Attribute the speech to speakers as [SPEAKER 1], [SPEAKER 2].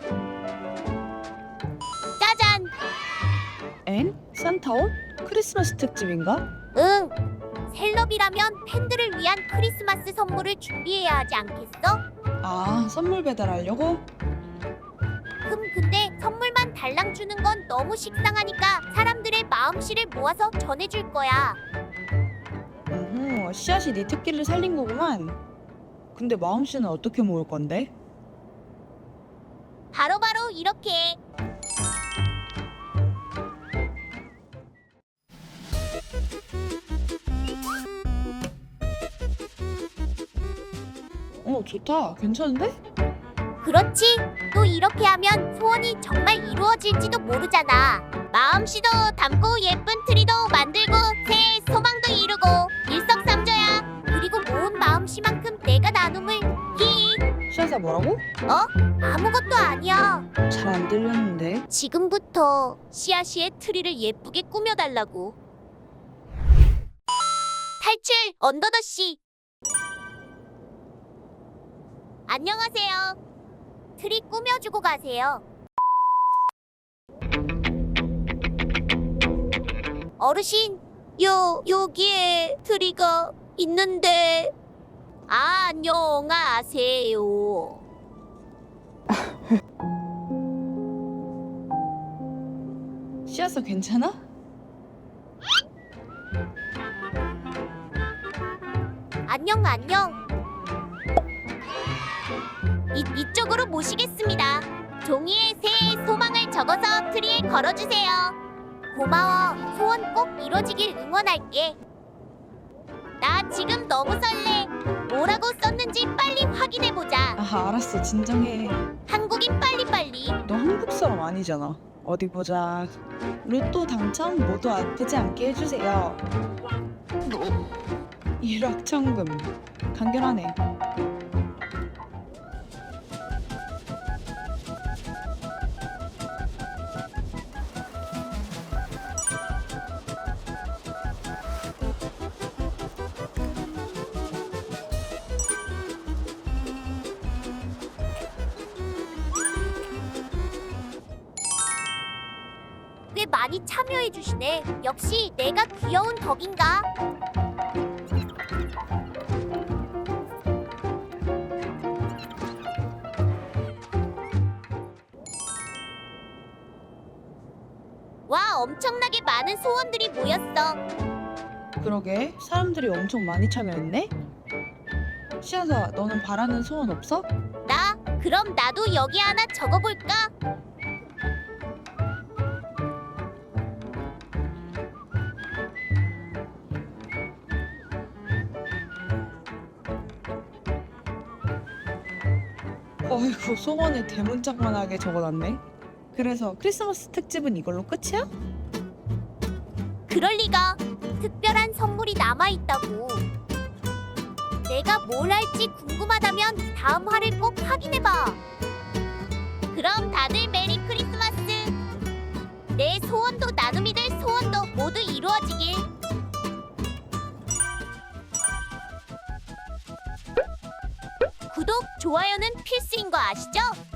[SPEAKER 1] 짜잔!
[SPEAKER 2] 엥? 산타 옷? 크리스마스 특집인가?
[SPEAKER 1] 응! 셀럽이라면 팬들을 위한 크리스마스 선물을 준비해야 하지 않겠어?
[SPEAKER 2] 아, 선물 배달하려고?
[SPEAKER 1] 근데 선물만 달랑 주는 건 너무 식상하니까 사람들의 마음씨를 모아서 전해줄 거야.
[SPEAKER 2] 씨앗이 네 특기를 살린 거구만. 근데 마음씨는 어떻게 모을 건데?
[SPEAKER 1] 바로바로 이렇게.
[SPEAKER 2] 좋다. 괜찮은데?
[SPEAKER 1] 그렇지. 또 이렇게 하면 소원이 정말 이루어질지도 모르잖아. 마음씨도 담고 예쁜 트리도 만들고 새해 소망도 이루고 일석삼조야. 그리고 모은 마음씨만큼 내가 나눔을
[SPEAKER 2] 씨앗아 뭐라고?
[SPEAKER 1] 아무것도 아니야.
[SPEAKER 2] 잘 안 들렸는데.
[SPEAKER 1] 지금부터 씨앗이의 트리를 예쁘게 꾸며달라고. 탈출 언더더씨. 안녕하세요. 트리 꾸며주고 가세요. 어르신, 여기에 트리가 있는데. 안녕하세요.
[SPEAKER 2] 씨앗아 괜찮아?
[SPEAKER 1] 안녕. 이쪽으로 모시겠습니다. 종이에 새해 소망을 적어서 트리에 걸어주세요. 고마워. 소원 꼭 이뤄지길 응원할게. 나 지금 너무 설레. 뭐라고 썼는지 빨리 확인해보자.
[SPEAKER 2] 아, 알았어. 진정해.
[SPEAKER 1] 한국인 빨리빨리.
[SPEAKER 2] 너 한국 사람 아니잖아. 어디 보자. 로또 당첨 모두 아프지 않게 해주세요. 일확천금. 간결하네.
[SPEAKER 1] 꽤 많이 참여해주시네. 역시 내가 귀여운 덕인가? 와, 엄청나게 많은 소원들이 모였어.
[SPEAKER 2] 그러게. 사람들이 엄청 많이 참여했네? 씨앗아, 너는 바라는 소원 없어?
[SPEAKER 1] 나? 그럼 나도 여기 하나 적어볼까?
[SPEAKER 2] 어이구, 소원을 대문짝만하게 적어놨네. 그래서 크리스마스 특집은 이걸로 끝이야?
[SPEAKER 1] 그럴 리가. 특별한 선물이 남아있다고. 내가 뭘 할지 궁금하다면 다음 화를 꼭 확인해봐. 그럼 다들 메리 크리스마스. 내 소원도 나눔이 될 소원도 모두 이루어지길. 구독, 좋아요는 필수인 거 아시죠?